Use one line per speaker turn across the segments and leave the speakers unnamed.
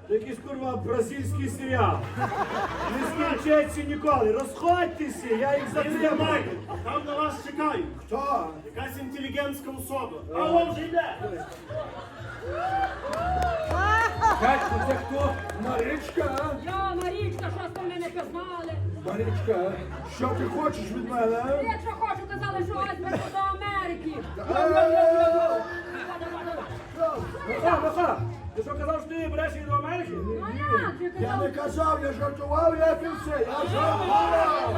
Якийсь, курва, бразильський серіал. Не скінчаться ніколи. Розходьтеся, я їх затримаю.
Там на вас чекають.
Хто?
Якась інтелігентська особа. Алло, вже йде.
Катько, це хто? Марічка?
Я, Марічка, що з мене пізнали?
Марічка, що ти хочеш від мене?
Якщо хочу, казали, що ось беру до Америки.
Маха, ти що казав, що ти береш її до Америки?
Ну як же
Я не
казав?
казав, я жартував, я і все, я жартував!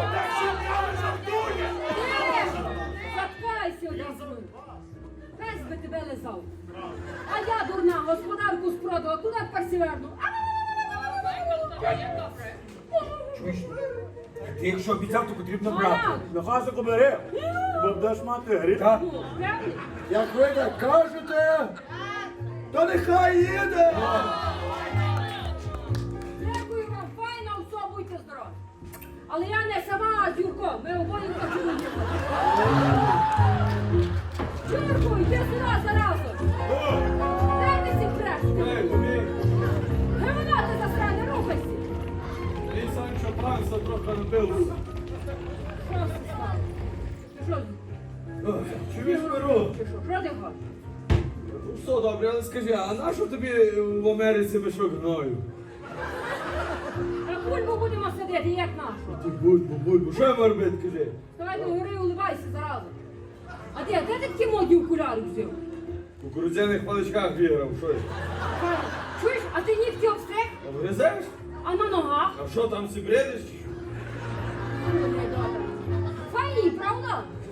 Заткайся, одразу. Пес би тебе лизав. А я, дурна, господарку спродала, куди тепер сіверну?
Чуєш? Ти якщо обіцяв, то потрібно
Ну
брати.
як?
На хасику бери, бо будеш мати гріх.
Так?
Ну, певний?
Як ви так кажете, то нехай їде!
Дякую вам, файно, все, будьте здорові. Але я не сама, а з Юрком. Ми обоє хочемо їхати. Юрку, йди сюди заразу. Де ти сі преш? Гевона ти засране, рухайся.
Ти, Санчо Панса, трохи набився.
Що це стало? Ти що?
Чуєш, Миру?
Ти що ти хочеш?
Все добре, але скажи, а нащо тобі в Америці мішок гною?
На бульбу будемо сидіти, як нашу.
Ти бульбу, що я маю робити, кажи?
Давай до гори уливайся заразу. А де ти такі модні окуляри взяв?
У кукурудзяних паличках виграв, що я?
Чуєш, а ти нігті обстриг?
Обгризеш?
А на ногах?
А що там си бредиш?
Файні, правда?